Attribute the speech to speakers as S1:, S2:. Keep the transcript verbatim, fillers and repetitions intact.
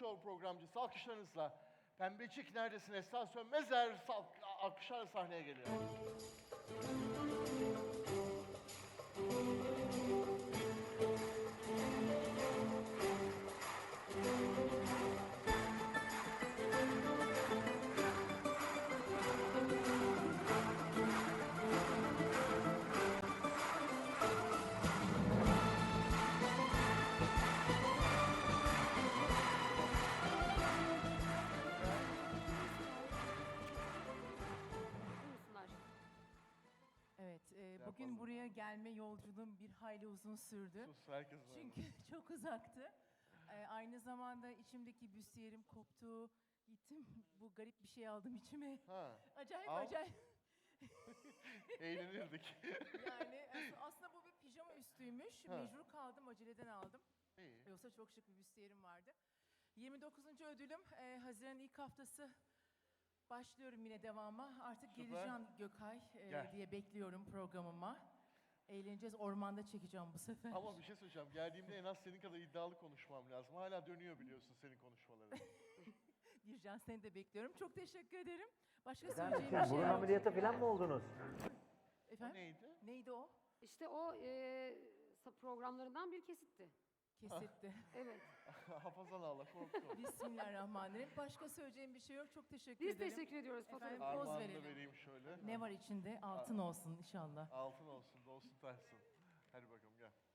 S1: Show programcısı alkışlarınızla Pembecik Neredesin Esra Sönmezer alkışlarla sahneye geliyor.
S2: Evet, e, bugün buraya gelme yolculuğum bir hayli uzun sürdü.
S1: Sus, herkes var.
S2: Çünkü çok uzaktı. E, aynı zamanda içimdeki büstiyerim koptu. Gittim, bu garip bir şey aldım içime.
S1: Ha.
S2: Acayip
S1: Al.
S2: acayip.
S1: Eğlenirdik.
S2: Yani as- aslında bu bir pijama üstüymüş.
S1: Ha.
S2: Mecbur kaldım, aceleden aldım.
S1: İyi.
S2: Yoksa çok şık bir büstiyerim vardı. yirmi dokuzuncu ödülüm, e, Haziran'ın ilk haftası. Başlıyorum yine devama. Artık
S1: Süper.
S2: geleceğim Gökay e,
S1: Gel.
S2: diye bekliyorum programıma. Eğleneceğiz, ormanda çekeceğim bu sefer.
S1: Ama bir şey söyleyeceğim. Geldiğimde en az senin kadar iddialı konuşmam lazım. Hala dönüyor biliyorsun senin konuşmaların.
S2: Bircan, seni de bekliyorum. Çok teşekkür ederim. Başka
S3: Neden?
S2: söyleyeceğim bir
S3: Siz
S2: şey
S3: burun
S2: yok.
S3: ameliyatı falan mı oldunuz?
S2: Efendim?
S1: Neydi?
S2: Neydi o?
S4: İşte o e, programlarından bir kesitti.
S2: Kesitti.
S4: Evet.
S1: Hafazan ağla korktum.
S2: Bismillahirrahmanirrahim. Başka söyleyeceğim bir şey yok. Çok teşekkür
S4: Biz
S2: ederim.
S4: teşekkür ediyoruz
S2: Efendim,
S4: fotoğrafı.
S2: poz
S1: Armağanını
S2: verelim.
S1: vereyim şöyle.
S2: Ne var içinde? Altın olsun inşallah.
S1: Altın olsun, dolsun taşsın. Hadi bakalım gel.